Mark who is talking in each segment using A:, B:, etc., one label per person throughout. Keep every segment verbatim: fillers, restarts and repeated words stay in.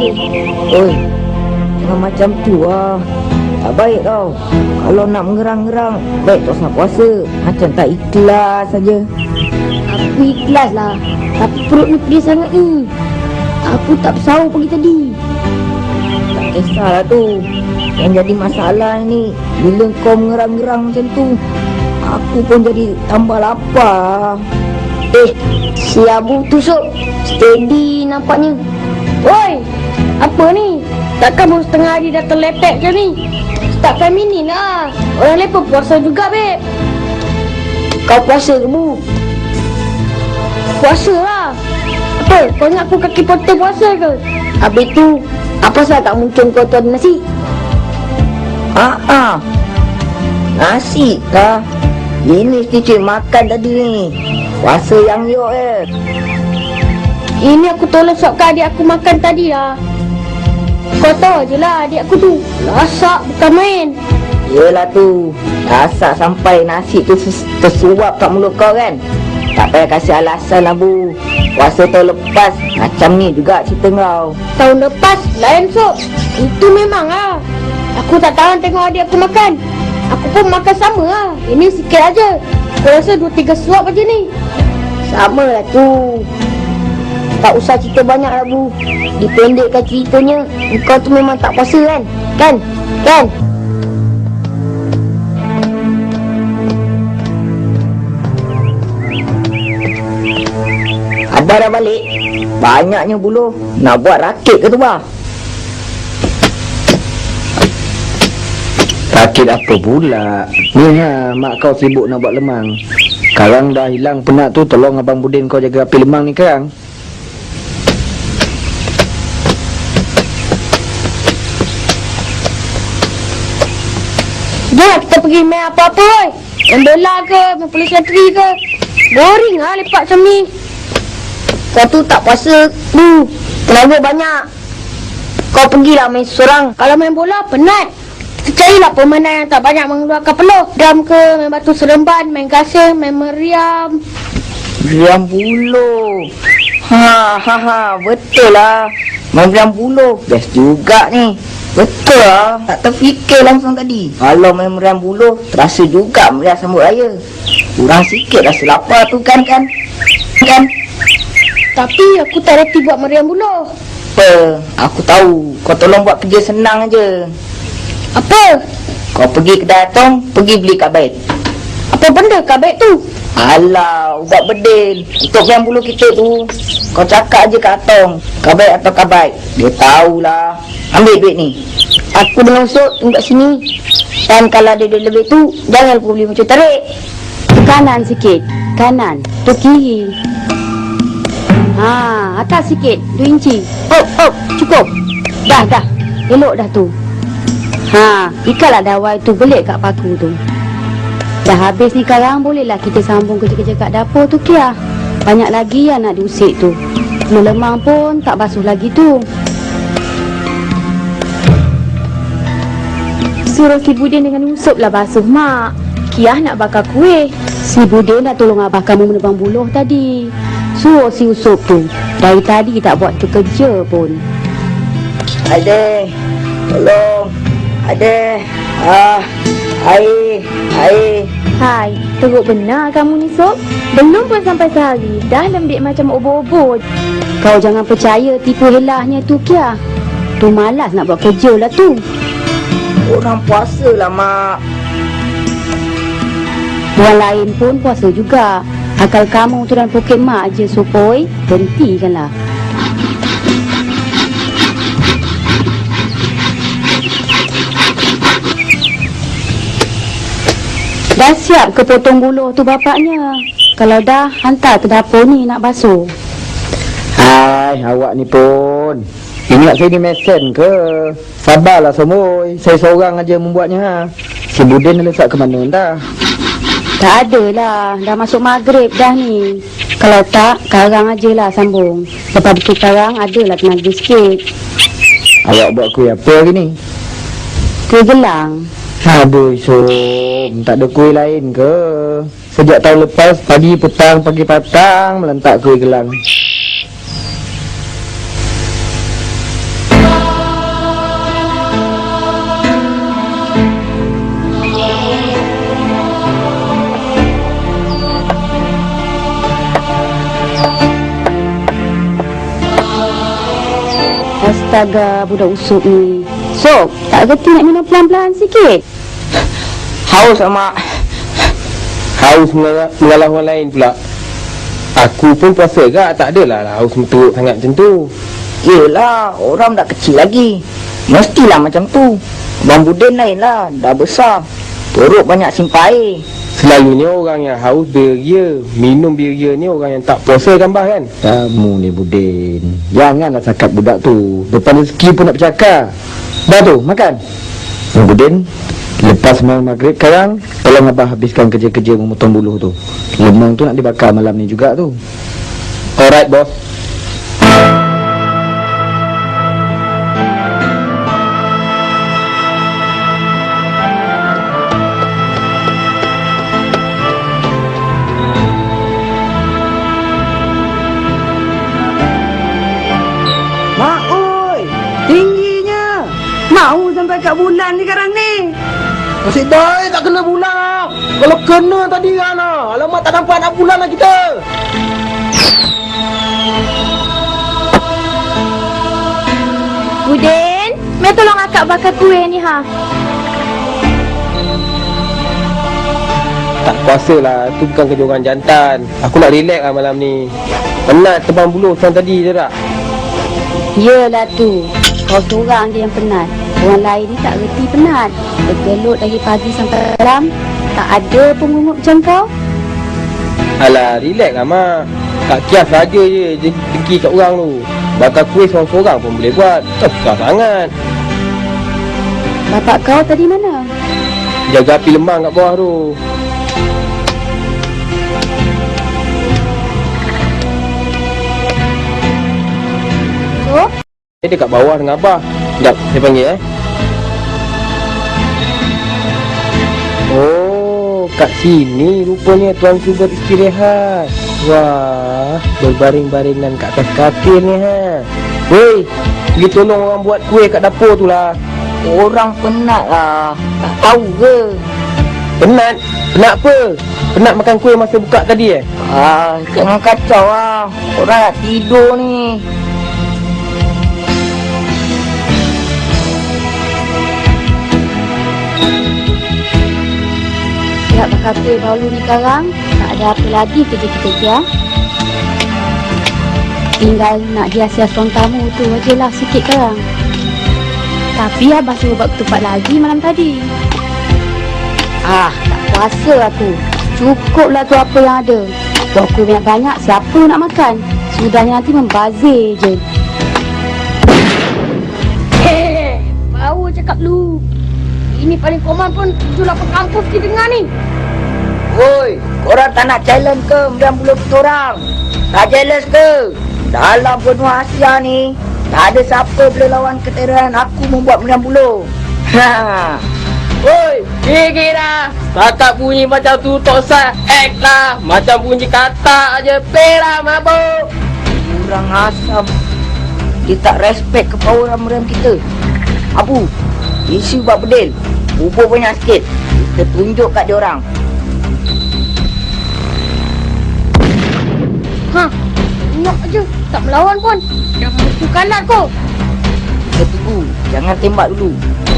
A: Oi, jangan macam tu lah. Tak baik tau. Kalau nak mengerang-gerang, baik tak usah puasa. Macam tak ikhlas saja.
B: Aku ikhlas lah, tapi perut ni pedih sangat ni. Aku tak bersahur pagi tadi.
A: Tak kisahlah tu. Yang jadi masalah ni, bila kau mengerang-gerang macam tu, aku pun jadi tambah lapar.
B: Eh, si Abu tusuk steady nampaknya. Woi, apa ni? Takkan baru setengah hari dah terlepek macam ni? Start feminin lah. Orang lain pun puasa juga, beb. Kau puasa ke, Bu? Puasa lah. Apa? Kau ingat aku kaki potong puasa ke? Habis tu, apa sahaja tak muncul kau tu ada nasi?
A: Haa, ah. Nasi kah? Ini mesti cik makan tadi ni. Puasa yang yok eh.
B: Ini aku tolong sokkan adik aku makan tadi lah. Kau tahu je lah adik aku tu lasak bukan main.
A: Yelah tu, lasak sampai nasi tu tersuap kat mulut kau kan. Tak payah kasih alasan lah, Bu. Puasa tahun lepas macam ni juga cerita kau.
B: Tahun lepas lain sok. Itu memang lah. Aku tak tahan tengok adik aku makan. Aku pun makan sama lah. Ini sikit aja. Aku rasa dua tiga suap aja ni. Sama lah tu. Tak usah cerita banyak lah, Bu. Dipendekkan ceritanya, kau tu memang tak puasa kan? Kan? Kan?
A: Abah dah balik. Banyaknya buluh. Nak buat rakit ke tu, bah?
C: Rakit apa pula? Ni ha, mak kau sibuk nak buat lemang. Sekarang dah hilang penat tu, tolong Abang Budin kau jaga api lemang ni sekarang.
B: Jom kita pergi main apa-apa, oi. Main bola ke, main polis latri ke. Boring lah lepak macam ni. Kau tu tak puasa, Bu. Tenaga banyak. Kau pergilah main seorang. Kalau main bola, penat. Kita carilah permainan yang tak banyak mengeluarkan peluh. Dam ke, main batu seremban, main gasing, main meriam.
A: Meriam buluh. Ha ha ha, betul lah. Main meriam buluh. Best juga ni. Betul lah. Tak terfikir langsung tadi. Kalau main meriam buluh, terasa juga meriam sambut raya. Kurang sikit rasa lapar tu kan kan? Kan?
B: Tapi aku tak reti buat meriam buluh.
A: Apa? Aku tahu. Kau tolong buat kerja senang aje.
B: Apa?
A: Kau pergi kedai Atong, pergi beli kabait.
B: Apa benda kabait tu?
A: Alah, ubat bedil. Untuk yang bulu kita tu, kau cakap aje kat Atong, kabait atau kabait. Dia tahulah. Ambil duit ni.
B: Aku dengan Usuk tunggu kat sini. Dan kalau ada duit lebih tu, jangan lupa beli macam tarik.
D: Kanan sikit. Kanan. Tu kiri. Ha, atas sikit. Dua inci. Oh, oh, cukup. Dah, dah. Elok dah tu. Ha, ikatlah dawai tu belik kat paku tu. Dah habis ni sekarang, bolehlah kita sambung kerja-kerja kat dapur tu, Kia. Banyak lagi yang nak diusik tu. Melemang pun tak basuh lagi tu. Suruh si Budin dengan Usop lah basuh, Mak. Kia nak bakar kuih. Si Budin dah tolong abah kamu menebang buluh tadi. Suruh si Usop tu. Dari tadi tak buat tu kerja pun.
A: Adeh, tolong. Adeh. Ah, air, air.
D: Hai, teruk benar kamu ni, Sob. Belum pun sampai sehari, dah lembik macam obo-obo. Kau jangan percaya tipu helahnya tu, Kia. Tu malas nak buat kerja lah tu.
A: Orang puasa lah, Mak.
D: Orang lain pun puasa juga. Akal kamu tu dan poket mak je, Sopoi. Hentikanlah. Dah siap ke potong buluh tu bapaknya? Kalau dah, hantar ke dapur ni nak basuh.
C: Hai, awak ni pun. Ingat saya ni mesen ke? Sabarlah semua. Saya seorang aja membuatnya. Ha. Si Budin dah lesak ke mana dah?
D: Tak adalah. Dah masuk maghrib dah ni. Kalau tak, karang ajalah sambung. Lepas itu karang, adalah tenaga sikit.
C: Awak buat kuih apa hari ni?
D: Kuih gelang.
C: Aduh, Som. Tak ada kuih lain ke? Sejak tahun lepas, pagi petang, pagi petang, melentak kuih gelang.
D: Astaga, budak usuk ni. Sok, tak reti nak minum pelan-pelan sikit?
A: Haus sama.
E: Haus mengalah, mengalah orang lain pula. Aku pun puasa gak, tak adalah lah haus menteruk sangat macam tu.
A: Yelah, orang dah kecil lagi. Mestilah macam tu. Abang Budin lain lah, dah besar. Perut banyak simpan air.
E: Selalunya orang yang haus beria, minum beria ni orang yang tak puasa kan bah kan?
C: Kamu ni Budin, janganlah cakap budak tu. Depan rezeki pun nak bercakap. Dah tu, makan. Abang Budin, lepas malam maghrib sekarang, tolong abah habiskan kerja-kerja memotong buluh tu. Lemang tu nak dibakar malam ni juga tu.
E: Alright bos.
A: Mak oi, tingginya. Mau sampai kat bulan ni sekarang ni.
E: Masih baik tak kena bulan. Kalau kena tadi kan lah. Alamak tak nampak nak bulan lah kita.
B: Budin, mai tolong akak bakar kuih ni ha.
E: Tak puasa lah, tu bukan kerja orang jantan. Aku nak relax lah malam ni. Penat tebang buluh macam tadi je tak?
D: Yelah tu, kau seorang je yang penat. Orang lain ni tak reti penat. Bergelut dari pagi sampai malam. Tak ada pengungut macam kau.
E: Alah, relax lah mak. Tak kias saja je je dengki kat orang tu. Bakar kuih seorang-seorang pun boleh buat. Tak susah sangat.
D: Bapak kau tadi mana?
E: Jaga api lemang kat bawah tu.
D: So,
E: Dia dekat bawah dengan abah. Sekejap, saya panggil eh. Oh, kat sini rupanya tuan tu beristirahat. Wah, berbaring-baringan kat atas katil ni ha. Weh, pergi tolong orang buat kuih kat dapur tu lah.
A: Orang penat lah. Tak tahu ke?
E: Penat? Penat apa? Penat makan kuih masa buka tadi eh?
A: Ah, jangan kacau lah. Orang nak tidur ni.
D: siap bakar kuih baulu ni sekarang. Tak ada apa lagi kerja kita ya. Tinggal nak hias-hias ruang tamu tu aje lah sikit sekarang. Tapi abah suruh buat ketupat lagi malam tadi. Ah, tak puasa aku. Cukuplah tu apa yang ada. Buat kuih banyak-banyak, siapa nak makan? Sudahnya nanti membazir je.
B: Hei, bau cakap lu. Ini paling koman pun tujuh lapan kampus kita dengar ni.
A: Woi, korang tak nak challenge ke sembilan puluh kita orang? Tak jealous ke? Dalam benua Asia ni, tak ada siapa boleh lawan keterangan aku membuat sembilan puluh. Ha.
E: Woi, gigi dah. Setakat bunyi macam tu tak usah act lah. Macam bunyi kata aje pelah mabuk.
A: Kurang asam. Dia tak respect ke power ram-ram kita. Abu, isu buat bedil. Bubur banyak sikit. Kita tunjuk kat dia orang.
B: Ha, tengok aje, tak melawan pun. Dah musuh kalat kau.
A: Kita tunggu. Jangan tembak dulu.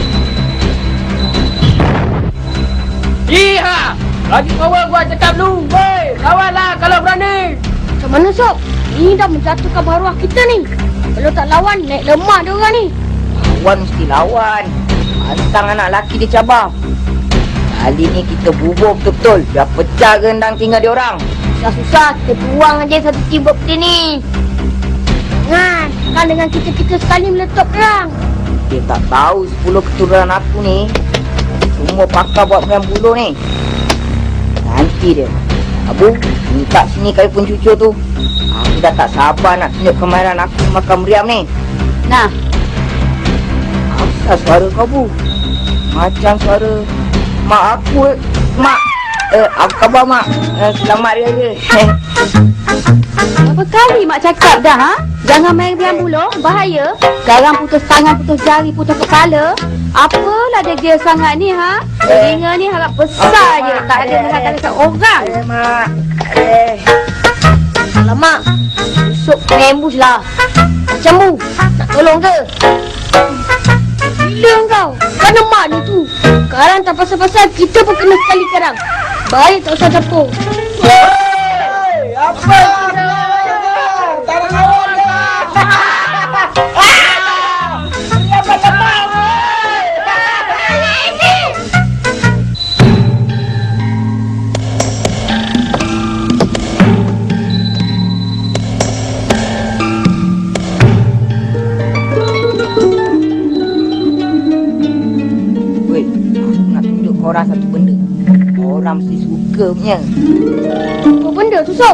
E: Iha! Lagi kawan gua cakap lu. Woi, lawanlah kalau berani.
B: Macam mana Sob? Ini dah menjatuhkan maruah kita ni. Kalau tak lawan, naik lemah dia orang ni.
A: Lawan mesti lawan. Antang anak lelaki dia cabar. Kali ni kita bubur betul-betul. Biar pecah gendang tinggal dia orang.
B: Susah-susah, kita buang aja satu tim seperti ni. Jangan, kan dengan kita-kita sekali meletup perang.
A: Dia tak tahu sepuluh keturunan aku ni semua pakar buat sembilan puluh ni. Nanti dia. Abu, minta sini kali pun cucu tu. Aku dah tak sabar nak tunjuk kemahiran aku makan meriam ni.
D: Nah,
A: Asal suara kau, Bu? Macam suara mak aku. Mak. Eh, apa khabar, Mak? Eh, selamat hari raya.
D: berapa kali mak cakap dah ha? Jangan main biang buluh, bahaya. Sekarang putus tangan, putus jari, putus kepala. Apalah degil sangat ni ha? Telinga ni harap besar je, tak ada dengar kata orang.
A: Eh, Mak. Eh.
B: Alamak, besok kena ambush lah. macam mu. Nak tolong ke? Gila kau. Kan mak dia tu. Sekarang tak pasal-pasal kita pun kena sekali sekarang. Baik tak usah campur.
E: Hei, apa kira? Tangan awak dah. Apa lepas?
A: Weh, aku nak tunjuk korang satu benda. Orang mesti suka punya.
B: Apa benda tu, Sob?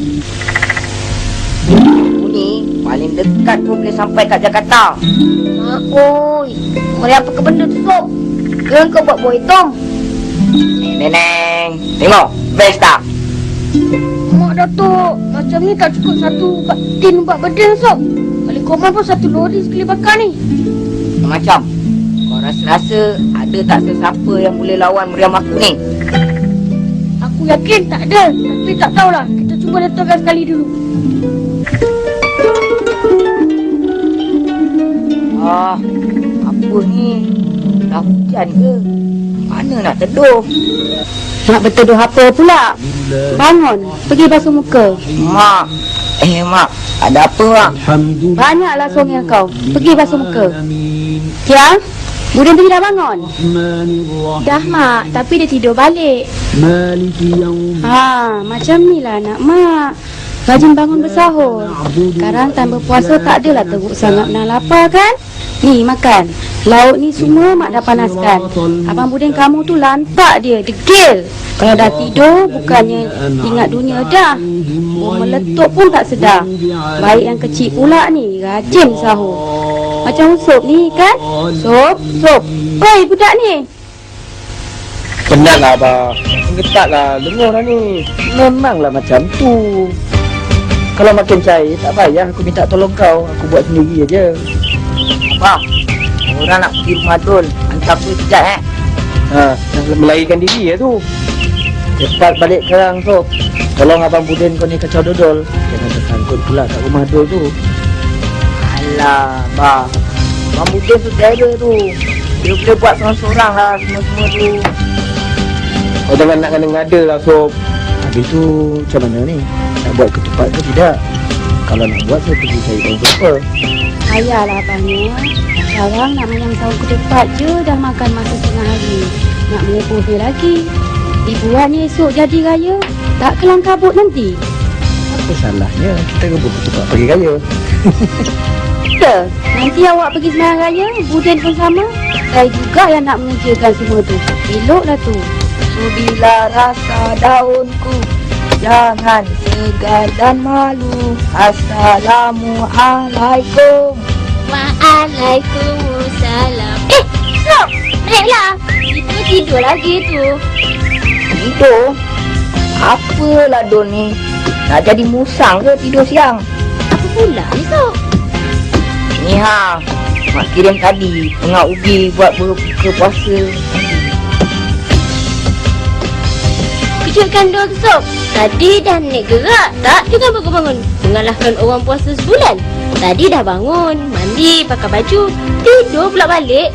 A: Aku ni paling dekat tu boleh sampai kat Jakarta.
B: Mak oi. Mari apa ke benda tu, Sob? Ke kau buat buah hitam?
A: Neneng, tengok. Best tak?
B: Mak Datuk, macam ni tak cukup satu ba- tin buat benda, Sob. Balik koman pun satu lori sekali bakar ni.
A: Macam kau rasa-rasa ada tak sesiapa yang boleh lawan meriam aku ni?
B: Aku yakin tak ada. Tapi tak tahulah. Kita cuba letupkan sekali dulu.
A: Ah, apa ni? Dah hujan ke? Mana nak teduh?
D: Nak berteduh apa pula? Bangun, pergi basuh muka.
A: Mak, eh mak, ada apa mak?
D: Banyaklah songnya kau. Pergi basuh muka. Tiang, Budin tu dah bangun. Dah mak, tapi dia tidur balik. Ha, macam ni lah anak mak. Rajin bangun bersahur. Sekarang tambah puasa tak adalah teruk sangat nak lapar kan? Ni makan. Lauk ni semua mak dah panaskan. Abang Budin kamu tu lantak dia, degil. Kalau dah tidur bukannya ingat dunia dah. Mau meletup pun tak sedar. Baik yang kecil pula ni, rajin sahur. Macam Sup ni kan? Sup, Sup. Oi budak ni.
E: Penatlah abah. Getaklah, lengur dah ni.
C: Memanglah macam tu. Kalau makin cair, tak payah aku minta tolong kau. Aku buat sendiri aja.
A: Apa? Orang nak pergi rumah Dul. Hantar aku sekejap eh.
E: Ha, dah melarikan diri ya tu.
C: Cepat balik sekarang, Sob. Tolong Abang Budin kau ni kacau dodol. Jangan tersangkut pula kat rumah Dul tu.
A: Alah, bah. Abang Budin tu terror tu. Dia boleh buat seorang-seorang lah semua-semua tu.
E: Oh, jangan nak kena ngada lah, Sob.
C: Habis tu macam mana ni? Nak buat ketupat ke tidak? Kalau nak buat, saya pergi cari tahu berapa.
D: Ayahlah abangnya. Sekarang nak makan sahur ketupat je dah makan masa setengah hari. Nak mengumpul dia lagi. Dibuatnya esok jadi raya. Tak kelang kabut nanti.
C: Apa salahnya kita rebut ketupat pergi raya?
D: Ya, nanti awak pergi sembahyang raya, Budin pun sama. Saya juga yang nak mengerjakan semua tu. Eloklah tu.
A: Bila rasa daunku, jangan segan dan malu. Assalamualaikum.
B: Waalaikumsalam. Eh, Sob! Naiklah. Itu tidur lagi tu.
A: Tidur? Apalah Dul ni? Nak jadi musang ke tidur siang?
B: Apa pula ni, Sob?
A: Ni ha, mak kirim tadi tengah ubi buat berbuka puasa.
B: Kejutkan dua ke, Sob? Tadi dah naik gerak. Tak juga bangun-bangun. Mengalahkan orang puasa sebulan. Tadi dah bangun, mandi, pakai baju. Tidur pula balik.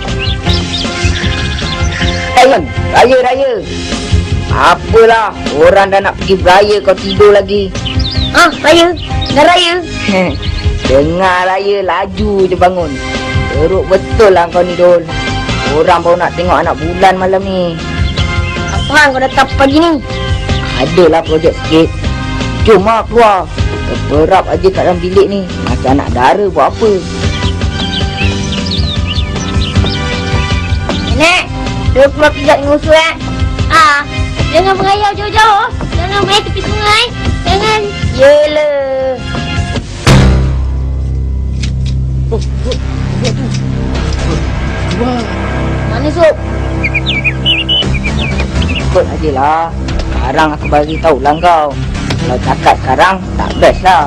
A: Raya, raya, raya. Apalah, orang dah nak pergi beraya kau tidur lagi.
B: Ah, raya. Dah raya.
A: Dengar raya laju je bangun. Teruk betul lah kau ni Dul. Orang baru nak tengok anak bulan malam ni.
B: Apa hang kau datang pagi ni?
A: Adalah projek sikit. Jom lah keluar. Terperap aja kat dalam bilik ni. Macam anak dara buat apa.
B: Nenek, dia keluar pijak dengan usul eh. Ah, jangan berayau jauh-jauh. Jangan main tepi sungai. Jangan.
A: Yelah.
B: Mana Sob?
A: Ikut aje lah. Sekarang aku bagi tahu lah kau. Kalau cakap sekarang, tak best lah.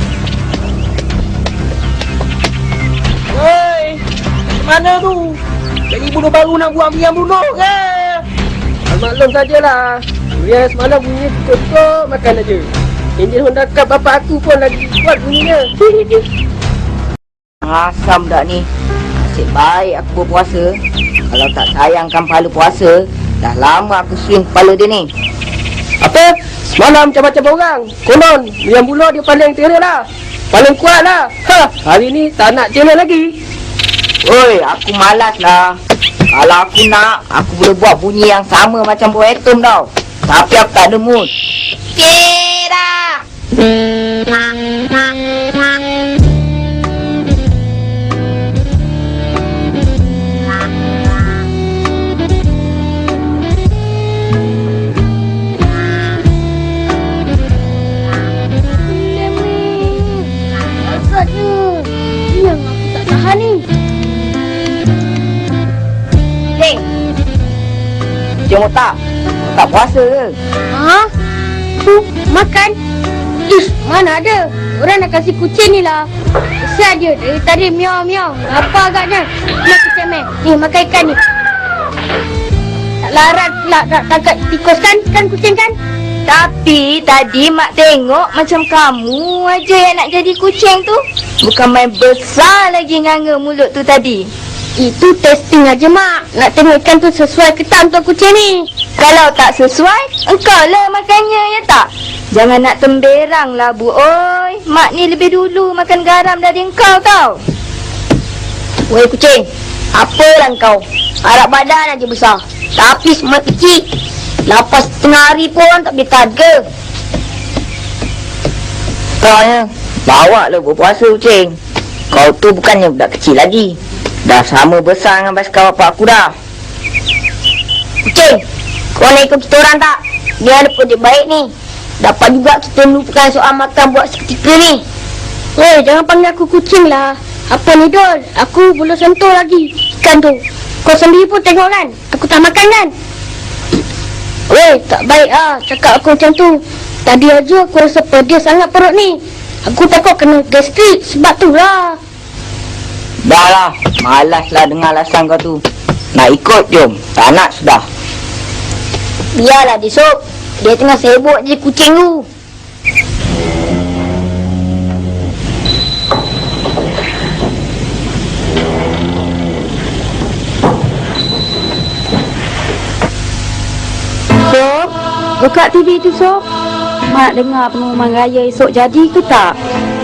E: Hei, mana tu? Jadi bunuh baru nak buat biang bunuh ke? Maklum sajalah. Dia semalam bunyi cukup makan aja. Enjin Honda Cup bapak aku pun lagi kuat bunyinya.
A: asam dak ni. Nasib baik aku berpuasa. Kalau tak sayangkan pahala puasa, dah lama aku swing kepala dia ni.
E: Apa? Semalam macam-macam orang. Konon, yang bulu dia paling terror lah. Paling kuat lah. Ha, hari ni tak nak channel lagi.
A: Oi, aku malas lah. Kalau aku nak, aku boleh buat bunyi yang sama macam buah atom tau. Tapi aku tak ada mood. Kira!
B: Yang aku tak tahan ni.
A: Hei! Cik Motak, tak puasa ke?
B: Ha? Tu, makan. Ish, mana ada. Orang nak kasih kucing ni lah. Kesian dia. Dari tadi miau-miau. Apa agaknya? Nak kucing meh. Ni, makan ikan ni. Tak larat pula nak tangkap tikus kan? Kan kucing kan?
A: Tapi tadi mak tengok macam kamu aja yang nak jadi kucing tu. Bukan main besar lagi nganga mulut tu tadi.
B: Itu testing aja mak. Nak tengok ikan tu sesuai ke tak untuk kucing ni.
A: Kalau tak sesuai, engkau lah makannya, ya tak? Jangan nak temberang lah, Bu. Oi, mak ni lebih dulu makan garam dari engkau tau.
B: Weh kucing, apalah kau? Harap badan aja besar. Tapi semua kecil. Lapas setengah hari pun tak boleh taga.
A: Kau ya, bawa lah berpuasa kucing. Kau tu bukannya budak kecil lagi. Dah sama besar dengan basikal bapak aku dah.
B: Kucing, kau nak ikut kita orang tak? Ni ada projek baik ni. Dapat juga kita melupakan soal makan buat seketika ni. Weh, jangan panggil aku kucing lah. Apa ni Dol? Aku belum sentuh lagi ikan tu. Kau sendiri pun tengok kan? Aku tak makan kan? Weh, tak baik ah cakap aku macam tu. Tadi aja aku rasa pedih sangat perut ni. Aku takut kena gastrik sebab tu lah.
A: Dah lah, malas lah dengar alasan kau tu. Nak ikut jom, tak nak sudah.
B: Biarlah dia Sob. Dia tengah sibuk je kucing tu.
D: Sob, buka T V tu Sob. Mak dengar pengumuman raya esok jadi ke tak?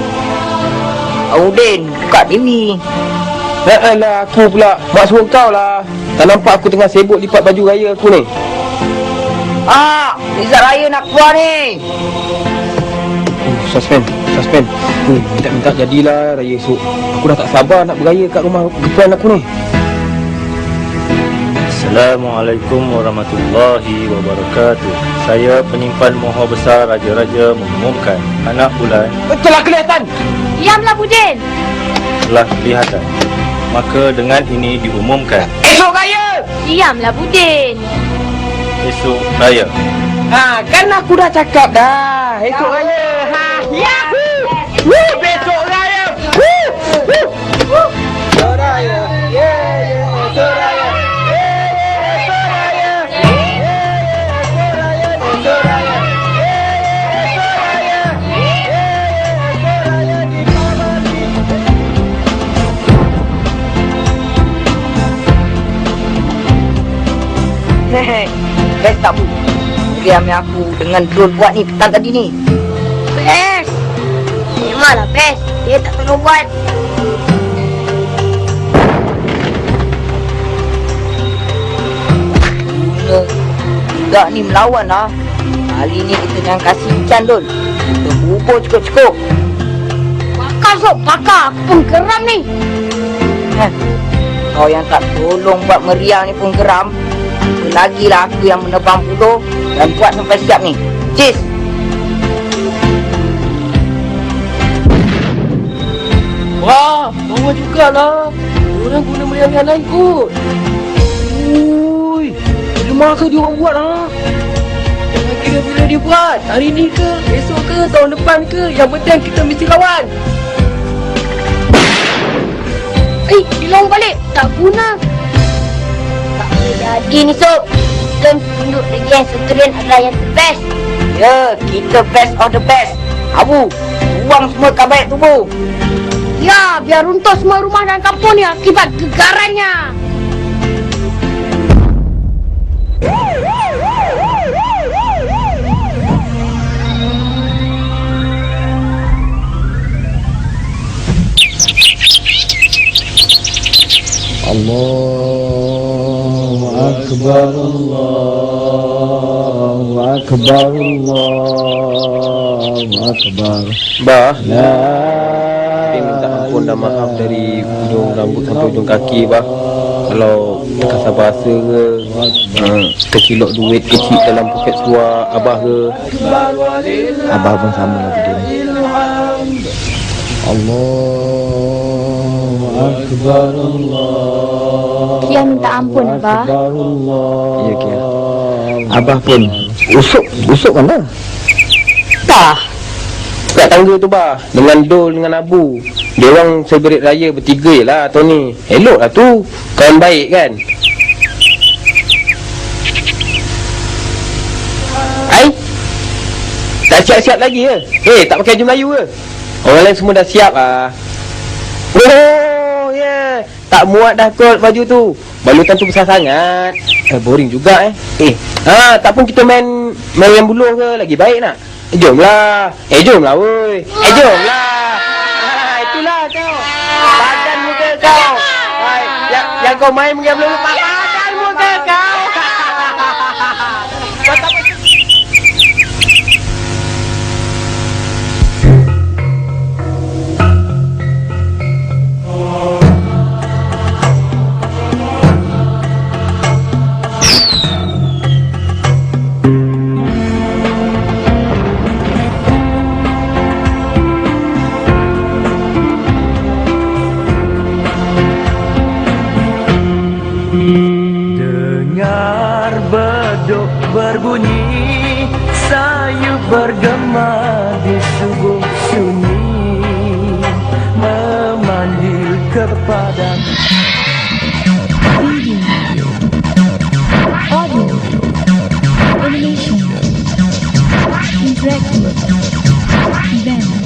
A: Udin, buka T V.
E: Eh lah, aku pula. Mak suruh kau lah. Tak nampak aku tengah sibuk lipat baju raya aku ni.
A: Ah, Rizal Raya nak keluar ni.
E: Uh, suspend, suspend. Hmm, minta-minta jadilah raya esok. Aku dah tak sabar nak beraya kat rumah gepuan aku ni.
F: Assalamualaikum warahmatullahi wabarakatuh. Saya penyimpan Moho Besar Raja-Raja mengumumkan anak bulan
E: Betul lah kelihatan.
B: Diamlah Budin.
F: telah kelihatan. Maka dengan ini diumumkan
E: Esok raya.
B: Diamlah Budin.
F: esok raya.
E: Ha, kan aku dah cakap dah. Esok raya. Ha, yahoo. Woo, besok raya. Woo. Woo. Woo. Esok raya. Yeah, yeah, esok raya.
A: Hehe, best tak Bu? Diam yang aku dengan drone buat ni petang tadi ni.
B: Best. Memanglah best. Dia tak perlu buat.
A: Guna budak ni melawan lah. Kali ni kita jangan kasih ikan Dul. Kita bubur cukup-cukup.
B: Pakar Sob, pakar. Aku pun geram ni.
A: Heh, kau yang tak tolong buat meriah ni pun geram. Lagilah aku yang menebang buluh dan buat sampai siap ni. Cheers.
E: Wah, bawa jugalah. Orang guna meriah-meriah lain kot. Ui, rumah ke dia orang buat lah. Jangan kira bila dia buat. Hari ni ke, esok ke, tahun depan ke. Yang penting kita mesti lawan.
B: Eh, dilong balik. Tak guna. Tak boleh jadi ni Sob. Kita tunduk lagi yang sekalian adalah yang best.
A: Ya, kita best of the best. Abu, buang semua kabaik tu Bu.
B: Ya, biar runtuh semua rumah dan kampung ni akibat gegarannya.
C: Allahu Akbar, Allahu Akbar, Allahu Akbar.
E: Bah,
C: La
E: saya minta ampun dan maaf dari ujung rambut sampai ujung kaki, bah. Kalau terkasar bahasa ke, hmm, terkilok duit kecil dalam poket seluar Abah ke.
C: Abah pun sama lah Budin. Allahu Akbar, Allah.
D: Kia minta ampun, Abah.
C: Ya, Kia. Abah pun usuk, usuk mana?
E: Tah, kat tangga tu, bah, dengan Dol dengan Abu. Dia orang celebrate raya bertiga je lah tahun ni. Elok lah tu, kawan baik kan. Ai, tak siap-siap lagi ke? Eh, tak pakai baju Melayu ke? Orang lain semua dah siap ah. Oh, ya. Yeah. Tak muat dah kot baju tu. Balutan tu besar sangat. Eh, boring juga eh. Eh, ha, tak pun kita main main yang buluh ke? Lagi baik nak? Eh, jomlah. Eh, jomlah woi. Eh, jomlah. Ha, itulah kau. Padan muka kau. Hai, yang, yang kau main dengan belum padan muka kau. Kau tak
G: Dengar beduk berbunyi, sayup bergema di subuh sunyi, memanggil kepada
H: Audio, animation, interactive, event.